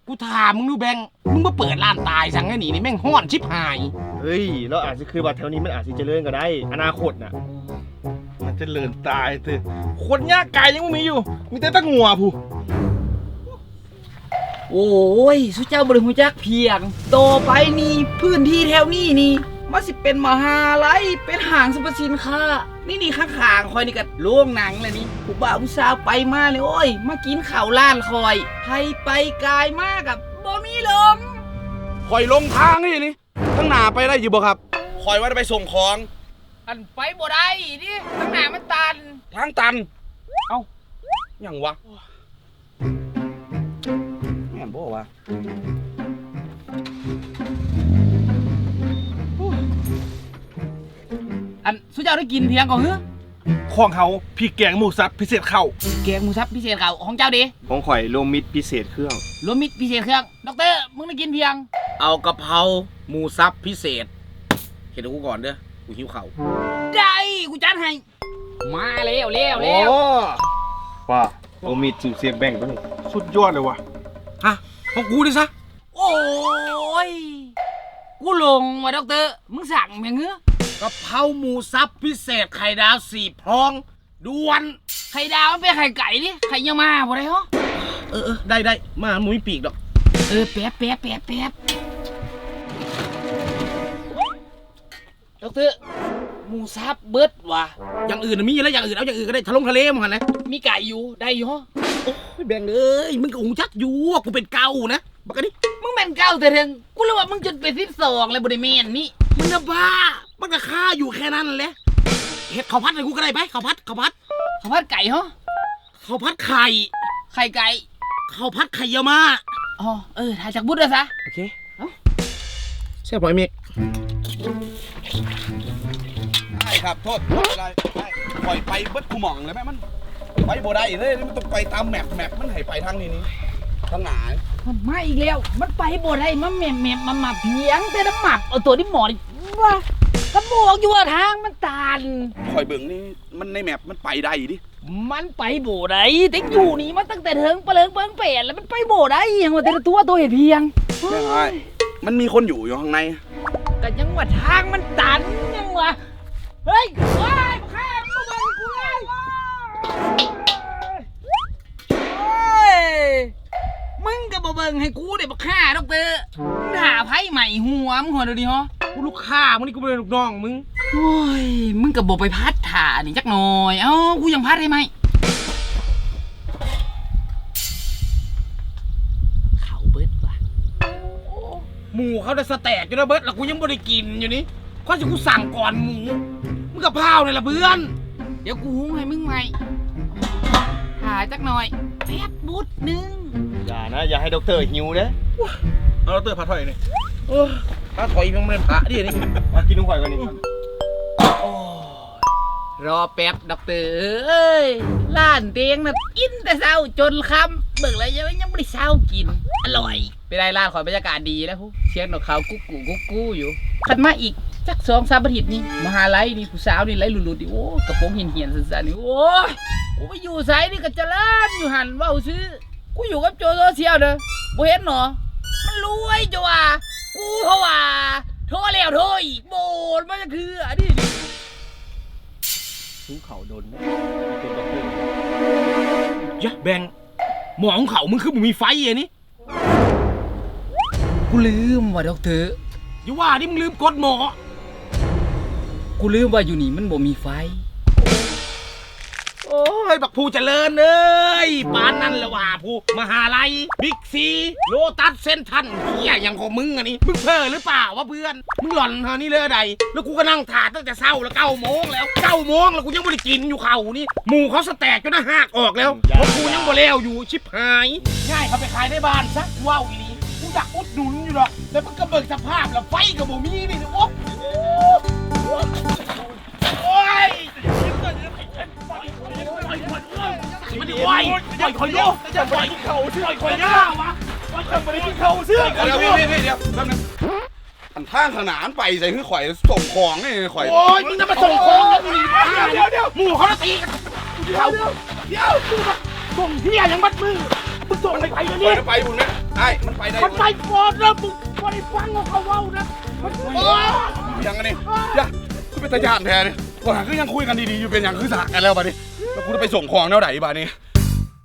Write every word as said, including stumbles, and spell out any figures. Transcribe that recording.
กูถามมึงดูแบงค์มึงมาเปิดร้านตายสั่งไอ้หนีนี่แม่งห้อนชิบหายเฮ้ยแล้วอาจจะคือว่าแถวนี้มันอาจจะเจริญก็ได้อนาคตน่ะมันจะเลินตายเถอะคนยากไก่ยังไม่มีอยู่มีแต่ตะงัวผู้โอ้ยสุเจ้าบริหูจักเพียงต่อไปนี่พื้นที่แถวนี้นี่มันสิเป็นมหาลัยเป็นห้างสรรพสินค้านี่นี่ข้างๆคอยนี่ก็โรงหนังเลยนี่ผู้บ่าวผู้สาวไปมาเลยโอ้ยมากินข้าวร้านคอยให้ไปกายมากกับบ่มีลมคอยลงทางนี่นี่ทั้งหน้าไปได้อยู่บ่ครับคอยว่าจะไปส่งของอันไปบ่ได้ดิข้างหน้ามันตันทางตันเอ้าอย่างวะแม่นบ่วะอันสุเจ้าได้กินเพียงก่อนเหรอของเขาพี่แกงหมูสับพิเศษเข้าแกงหมูสับพิเศษเขาของเจ้าดิของข่อยโลมิดพิเศษเครื่องรวมมิตรพิเศษเครื่องด็อกเตอร์มึงได้กินเพียงเอากะเพราหมูสับพิเศษเห็นกูก่อนเด้อกูหิวเข่าได้กูจัดให้มาเร็วเร็วเร็วว่าโลมิดสูตรเสียบแบ่งตัวนี้สุดยอดเลยวะฮะของกูดิซะโอ้ยกูลงว่ะด็อกเตอร์มึงสั่งอย่างเงี้ยกะเพราหมูสับพิเศษไข่ดาวสี่พร้องด่วนไข่ดาวมันเป็นไข่ไก่ดิไข่เยี่ยมาบ่ได้เหรอเออเออได้ได้มาหมูมีปีกดอกเออแป๊บแป๊บแป๊บแป๊บด็อกเตอร์หมูสับเบิดว่ะอย่างอื่นน่ะมีแล้วอย่างอื่นเอาอย่างอื่นก็ได้ทะลงทะเลมั้งหันนะมีไก่อยู่ได้อยู่เหรอโอ้ยแบ่งเอ้ยมึงก็หูจักอยู่ว่ากูเป็นเกานะบักกะนี่มึงเป็นเก้าแต่เถิงกูรู้ว่ามึงจนเป็นสิบสองเลยบ่ได้แม่นนี่มึงจะบ้ามันก็ค่าอยู่แค่นั้นแหละเห็ดข้าวพัดอะไรกูก็ได้ไปข้าวพัดข้าวพัดข้าวผัดไก่เหรอข้าวพัดไข่ไข่ไก่ข้าวพัดไข่เยามาอ๋อเออถ่ายจากบุตรเลยซะโอเคเอ้าแซ่บหอยเมกใช่ครับโทษไม่เป็นไรปล่อยไปเบิดกูหม่องเลยแม่มันไปบ่ได้เลยมันต้องไปตามแมปแมปมันให้ไปทางนี้นี่ทางไหนมันมาอีกแล้ว มันไปบ่ได้มันแหม่มแหม่มมันมาเพียงแต่น้ำหมับเอาตัวที่หมอนี่ว่าก็บอกอยู่ว่าทางมันตันคอยเบิ่งนี่มันในแมปมันไปได้ดิมันไปบ่ได้แต่อยู่นี่มันตั้งแต่เถิงเปลิงเปิงเปลี่ยนแล้วมันไปบ่ได้ยังว่าแต่ละตัวตัวเห็นเพียงแม่ไอ้มันมีคนอยู่อยู่ข้างในก็ยังว่าทางมันตันยังว่าเฮ้ยว้ายแค่มาเบิ่งกูเลยโอ้ยมึงก็บ่เบิ่งให้กูได้บ่ฆ่าดอกเตอร์มึงหาไพ่ใหม่หัวมึงหัวเดี๋ยวนี้ฮะกูลูกค้ามึงนี่กูเป็นลูกน้องมึงโอ้ยมึงก็บ่ไปพัดถ่านี่จักหน่อยเอ้ากูยังพัดได้ไหมเขาเบิดว่ะหมูเขาได้สแต็กอยู่นะเบิร์ดแล้วกูยังไม่ได้กินอยู่นี่ข้อจะกูสั่งก่อนหมูมึงกับพร้าวเลยล่ะเพื่อนเดี๋ยวกูหุงให้มึงใหม่หาจักหน่อยแป๊บบุดหนึงอย่านะอย่าให้ด็อกเตอร์หิวเด้อเอาเราเตอร์พาถอยนี่เออถ้าถอยมันเป็นพระดินี่มากินนุ่งข่อยกันนี่รอแป๊บดอกเตอร์เอ้ยล้านเตียงน่ะกินแต่เช้าจนค่ำเบิกแล้วยังยังไม่ได้เช้ากินอร่อยไปได้ร้านขอยบรรยากาศดีแล้วผู้เสียงนกเขากุ๊กกูกุ๊กกูอยู่ขันมาอีกจักสองสามอาทิตย์นี่มหาลัยนี่ผู้สาวนี่ไล่หลุดๆดิโอ้กระโปรงเหียนๆสั้นๆนี่โอ้ยกูไปอยู่ไสนี่ก็เจริญอยู่หันเว้าซื้อกูอยู่กับโจโซเชียลเด้อบ่เห็นหรอมันรวยจ้ะว่ากูเพราะว่าโทรแล้วโทรอีกโบนมันจะคืออันนี้หิวเข่าโดนนะเป็นด็อกเตอร์ยะแบงหมอของเขามึงคือมึงมีไฟอ่ะนี่กูลืมว่าดอกเตอร์อย่าว่านี่มึงลืมกดหมอกูลืมว่าอยู่นี่มันบ่มีไฟโอ้ยบักภูเจริญเอ้ยปานนั่นละว่าภูมหาลัยบิ๊กซีโลตัสเซนทันเฮียอย่างของมึงอันนี้มึงเพ้อหรือเปล่าวะเพื่อนมึงหล่อนเท่านี้เลยใดแล้วกูก็นั่งถาตั้งแต่เช้าแล้วเก้าโมงแล้วเก้าโมงแล้วกูยังไม่ได้กินอยู่เขานี่หมูเขาสแต็กจนหน้าหักออกแล้วเพราะกูยังบ่แล้วอยู่ชิบหายง่ายเขาไปขายในบ้านซะว้าวอีนี่กูอยากอุดหนุนอยู่หรอกแต่มันก็เบิกสภาพแล้วไฟกับบ่มีนี่โอ้โอ้ยมันไหวปล่อยคอยโย่จะปล่อยเขาเชื่อคอยย่าวะปล่อยเขาไปที่เขาเชื่อคอยเดี๋ยวโย่เดี๋ยวเดี๋ยวแป๊บนึงอันทางขนานไปใส่คือข่อยส่งของนี่ข่อยโอ้ยมึงจะมาส่งของแล้วมึงเดี๋ยวเดี๋ยวหมู่เขาตีกันเดี๋ยวเดี๋ยวเดี๋ยวส่งเฮียยังมัดมือมึงส่งไปไปเดี๋ยวนี้ไปบุญนะไอ้มันไปได้มันไปก่อนแล้วมึงไม่ได้ฟังเขาเว้านะมันโอ้ยยังไงนี่ยะกูเป็นตาญาติแท้เนี่ยว่าคือยังคุยกันดีๆอยู่เป็นอย่างคือสากกันแล้วบัดนี้แล้วกูจะไปส่งของแนวไหนบัดนี้